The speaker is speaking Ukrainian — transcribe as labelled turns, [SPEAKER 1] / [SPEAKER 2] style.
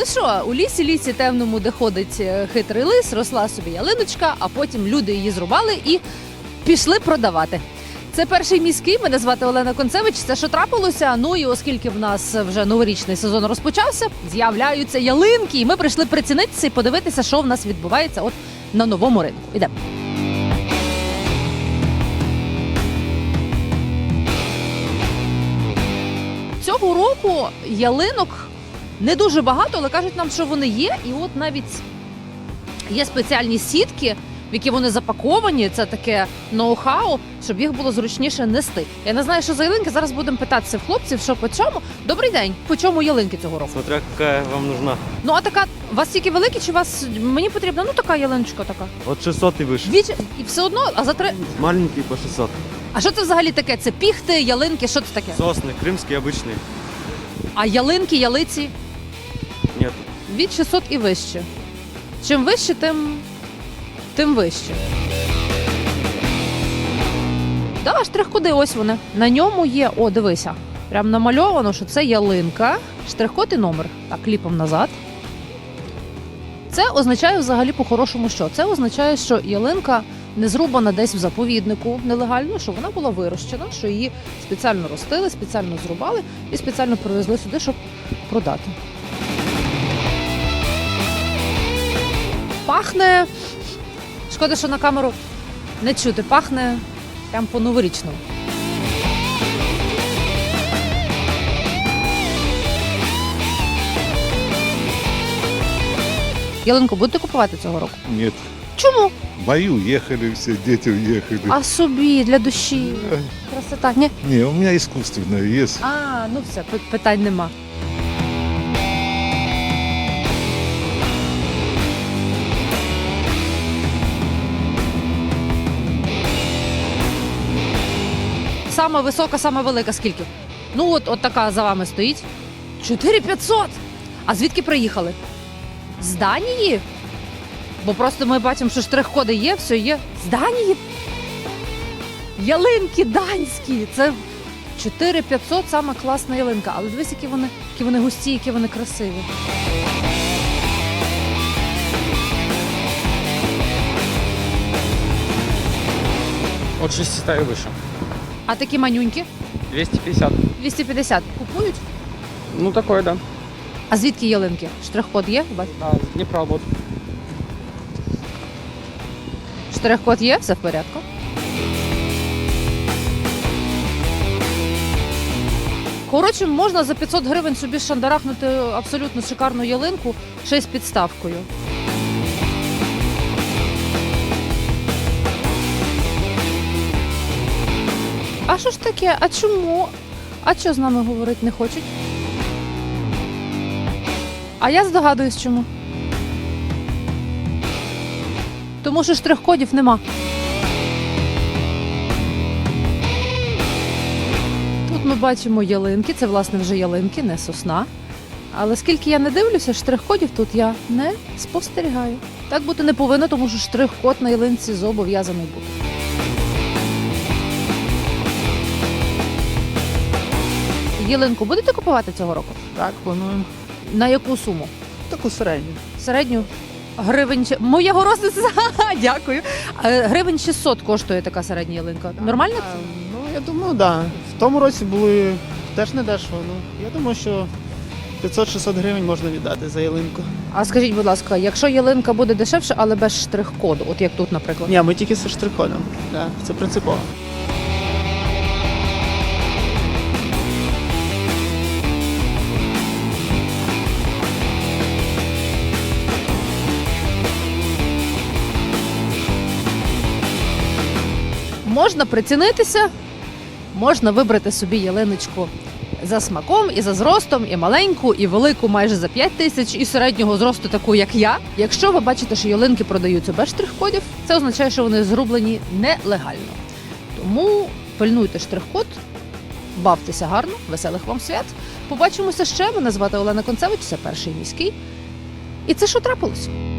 [SPEAKER 1] що, у лісі темному, де ходить хитрий лис, росла собі ялиночка, а потім люди її зрубали і пішли продавати. Це перший міський, мене звати Олена Концевич. Це що трапилося? Ну і оскільки в нас вже новорічний сезон розпочався, з'являються ялинки, і ми прийшли прицінитися і подивитися, що в нас відбувається от на новому ринку. Ідемо. Цього року ялинок не дуже багато, але кажуть нам, що вони є. І от навіть є спеціальні сітки, в які вони запаковані. Це таке ноу-хау, щоб їх було зручніше нести. Я не знаю, що за ялинки. Зараз будемо питатися в хлопців, що по чому. Добрий день. По чому ялинки цього року?
[SPEAKER 2] Смотря какая вам нужна.
[SPEAKER 1] Ну, а така, у вас тільки великі, чи у вас, мені потрібна, ну, така ялиночка така.
[SPEAKER 2] От 600 и выше.
[SPEAKER 1] Двічі, і все одно, а за три...
[SPEAKER 2] Маленький по 600.
[SPEAKER 1] А що це взагалі таке? Це піхти, ялинки, що це таке?
[SPEAKER 2] Сосны, крымские обычные.
[SPEAKER 1] А ялинки, ялиці?
[SPEAKER 2] Нет.
[SPEAKER 1] Від 600 і вище. Чим вище, тим вище. Да, штрих-коди, ось вони. На ньому є, о, дивися, прям намальовано, що це ялинка, штрих-код і номер. Так, кліпом назад. Це означає взагалі по-хорошому що? Це означає, що ялинка не зрубана десь в заповіднику нелегально, що вона була вирощена, що її спеціально ростили, спеціально зрубали і спеціально привезли сюди, щоб продати. Пахне, шкода, що на камеру не чути, пахне прям по-новорічному. Ялинку будете купувати цього року?
[SPEAKER 3] Нет.
[SPEAKER 1] Чому?
[SPEAKER 3] Мои уехали все, дети уехали.
[SPEAKER 1] А собі, для душі. Красота. Ні?
[SPEAKER 3] Не, у меня искусственное есть.
[SPEAKER 1] А, ну все, питань нема. Сама висока, сама велика скільки? Ну от така за вами стоїть. 4500! А звідки приїхали? З Данії? Бо просто ми бачимо, що штрих-коди є, все є. З Данії? Ялинки данські! Це 4500, сама класна ялинка. Але дивись, які вони густі, які вони красиві.
[SPEAKER 4] От 600 и выше.
[SPEAKER 1] А такі манюнькі?
[SPEAKER 4] 250.
[SPEAKER 1] 250. Купують?
[SPEAKER 4] Ну, такое, да.
[SPEAKER 1] А звідки ялинки? Штрих-код є? Бач?
[SPEAKER 4] Да, Днепра вот.
[SPEAKER 1] Штрих-код є? Все в порядку. Коротше, можна за 500 гривень собі шандарахнути абсолютно шикарну ялинку, ще й з підставкою. А що ж таке? А чому? А що з нами говорити не хочуть? А я здогадуюсь, чому. Тому що штрих-кодів нема. Тут ми бачимо ялинки, це, власне, вже ялинки, не сосна. Але скільки я не дивлюся, штрих-кодів тут я не спостерігаю. Так бути не повинно, тому що штрих-код на ялинці зобов'язаний бути. Ялинку будете купувати цього року?
[SPEAKER 5] Так, плануємо.
[SPEAKER 1] На яку суму?
[SPEAKER 5] Таку середню.
[SPEAKER 1] Середню? Гривень... Моєго розниця, дякую. Гривень 600 коштує така середня ялинка. Нормально?
[SPEAKER 5] Ну, я думаю, так. Да. В тому році були теж не дешево. Ну, я думаю, що 500-600 гривень можна віддати за ялинку.
[SPEAKER 1] А скажіть, будь ласка, якщо ялинка буде дешевше, але без штрих-коду, от як тут, наприклад?
[SPEAKER 5] Ні, ми тільки зі штрих-кодом. Да, це принципово.
[SPEAKER 1] Можна прицінитися, можна вибрати собі ялиночку за смаком і за зростом, і маленьку, і велику майже за 5 тисяч, і середнього зросту таку, як я. Якщо ви бачите, що ялинки продаються без штрих-кодів, це означає, що вони зрублені нелегально. Тому пильнуйте штрих-код, бавтеся гарно, веселих вам свят. Побачимося ще. Мене звати Олена Концевич, це перший міський. І це що трапилось?